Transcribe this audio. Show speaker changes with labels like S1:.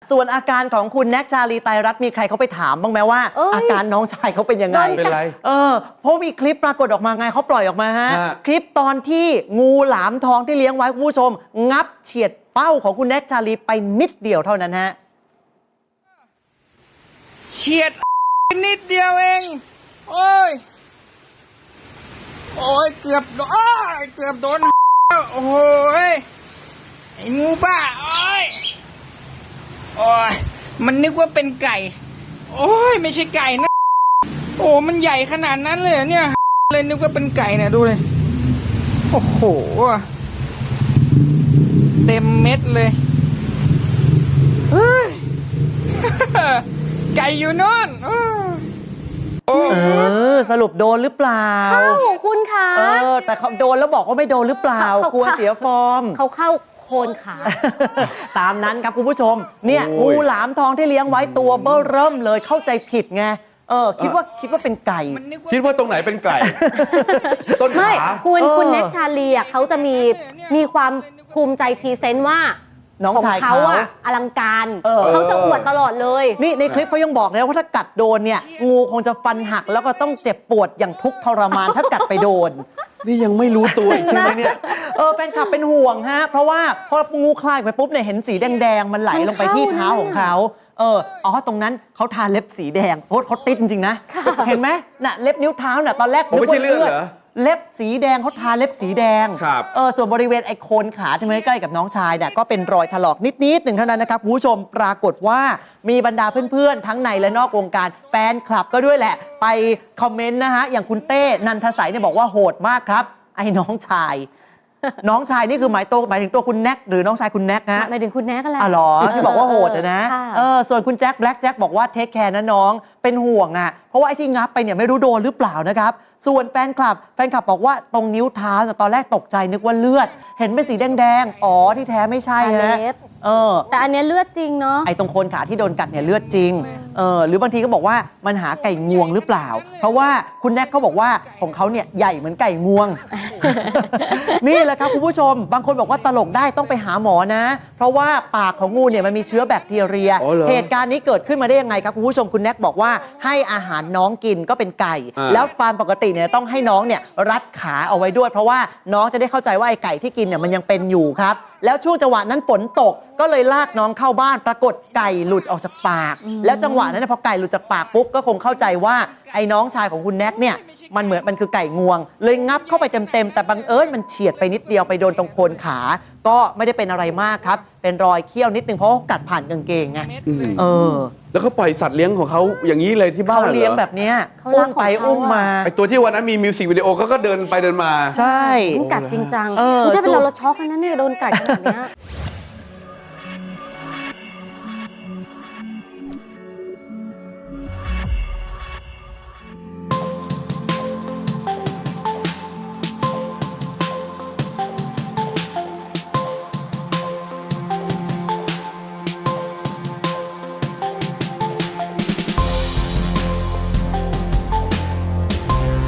S1: ส่วนอาการของคุณแน็กชาลีไตรรัตน์มีใครเขาไปถามบ้างไหมว่า อาการน้องชายเขาเป็นยังไง
S2: เป็นไร
S1: เพราะมีคลิปปรากฏออกมาไงเขาปล่อยออกมาฮะ คลิปตอนที่งูหลามทองที่เลี้ยงไว้คุณผู้ชม งับเฉียดเป้าของคุณแน็กชาลีไปนิดเดียวเท่านั้นฮะ
S3: เฉียดนิดเดียวเองโอ้ยเกือบโดนโอ้โหไอ้งูบ้าโอ้ยมันนึกว่าเป็นไก่โอ้ยไม่ใช่ไก่นะโอ้มันใหญ่ขนาดนั้นเลยเนี่ยเลยนึกว่าเป็นไก่เนี่ยดูเลยโอ้โหเต็มเม็ดเลยเฮ้ย ไก่อยู่โน่น
S1: สรุปโดนหรือเปล่า
S4: เข้าคุณคะ
S1: แต่เขาโดนแล้วบอกว่าไม่โดนหรือเปล่ากลัวเสียฟอร์ม
S4: เขาเข้าโคนขา
S1: ตามนั้นครับคุณผู้ชมเนี่ยงูหลามทองที่เลี้ยงไว้ตัวเบ้อเริ่มเลยเข้าใจผิดไงคิดว่าเป็นไก่
S2: คิดว่าตรงไหนเป็นไก่ ต้นขา
S4: ไม่คุณแน็กชาลีเขาจะมีความภูมิใจพรีเซนต์ว่า
S1: น้องชายเขา
S4: อลังการเขาจะอวดตลอดเลย
S1: นี่ในคลิปเขายังบอกเลยว่าถ้ากัดโดนเนี่ยงูคงจะฟันหักแล้วก็ต้องเจ็บปวดอย่างทุกข์ทรมานถ้ากัดไปโดน
S2: นี่ยังไม่รู้ตัวอีกใช่ไหมเนี่ย
S1: แฟนคลับเป็นห่วงฮะเพราะว่าพองูคลายไปปุ๊บเนี่ยเห็นสีแดงๆมันไหลลงไปที่เท้าของเขาตรงนั้นเขาทาเล็บสีแดงเขาติดจริงๆนะเห็นไหมน่ะเล็บนิ้วเท้าน่ะตอนแรก
S2: นึกว่าเลือดเหรอ
S1: เล็บสีแดงเขาทาเล็บสีแดงส่วนบริเวณไอโคนขาที่ใกล้กับน้องชายเนี่ยก็เป็นรอยถลอกนิดๆหนึ่งเท่านั้นนะครับคุณผู้ชมปรากฏว่ามีบรรดาเพื่อนๆทั้งในและนอกวงการแฟนคลับก็ด้วยแหละไปคอมเมนต์นะฮะอย่างคุณเต้นันทสัยเนี่ยบอกว่าโหดมากครับไอ้น้องชายนี่คือหมายถึงตัวคุณแน็กหรือน้องชายคุณแน็กฮะ
S4: หมายถึงคุณแน็กอะไร
S1: หรอที่บอกว่าโหดนะส่วนคุณแจ็คแบล็กแจ็คบอกว่าเทคแคร์นะน้องเป็นห่วงอ่ะเพราะว่าไอ้ที่งับไปเนี่ยไม่รู้โดนหรือเปล่านะครับส่วนแฟนคลับบอกว่าตรงนิ้วเท้าตอนแรกตกใจนึกว่าเลือดเห็นเป็นสีแดงๆที่แท้ไม่ใช่ฮะ
S4: แต่อันนี้เลือดจริงเนาะ
S1: ไอ้ตรงโคนขาที่โดนกัดเนี่ยเลือดจริงหรือบางทีก็บอกว่ามันหาไก่งวงหรือเปล่าเพราะว่าคุณแน็กเขาบอกว่าของเขาเนี่ยใหญ่เหมือนไก่งวง นี่แหละครับคุณผู้ชมบางคนบอกว่าตลกได้ต้องไปหาหมอนะเพราะว่าปากของงูเนี่ยมันมีเชื้อแบคทีเรียเหตุการณ์นี้เกิดขึ้นมาได้ยังไงครับคุณผู้ชมคุณแน็กบอกว่าให้อาหารน้องกินก็เป็นไก่แล้วตามปกติเนี่ยต้องให้น้องเนี่ยรัดขาเอาไว้ด้วยเพราะว่าน้องจะได้เข้าใจว่าไอ้ไก่ที่กินเนี่ยมันยังเป็นอยู่ครับแล้วช่วงจังหวะนั้นฝนตกก็เลยลากน้องเข้าบ้านปรากฏไก่หลุดออกจากปากแล้วจังหวะนั้นพอไก่หลุดจากปากปุ๊บก็คงเข้าใจว่าไอ้น้องชายของคุณแน็กเนี่ยมันคือไก่งวงเลยงับเข้าไปเต็มแต่บังเอิญมันเฉียดไปนิดเดียวไปโดนตรงโคนขาก็ไม่ได้เป็นอะไรมากครับเป็นรอยเขี้ยวนิดนึงเพราะเขากัดผ่านกางเกงไง
S2: แล้วเขาปล่อยสัตว์เลี้ยงของเขาอย่างนี้เลยที่บ้าน
S1: เขาเลี้ยงแบบนี้อุ้มไปอุ้มมา
S2: ไอตัวที่วันนั้นมีมิวสิกวิดีโอก็เดินไปเดินมา
S1: ใช่
S4: กัดจริงจังถ้าเป็นเราช็อกนะเนี่ยโดนกัดขนาดนี้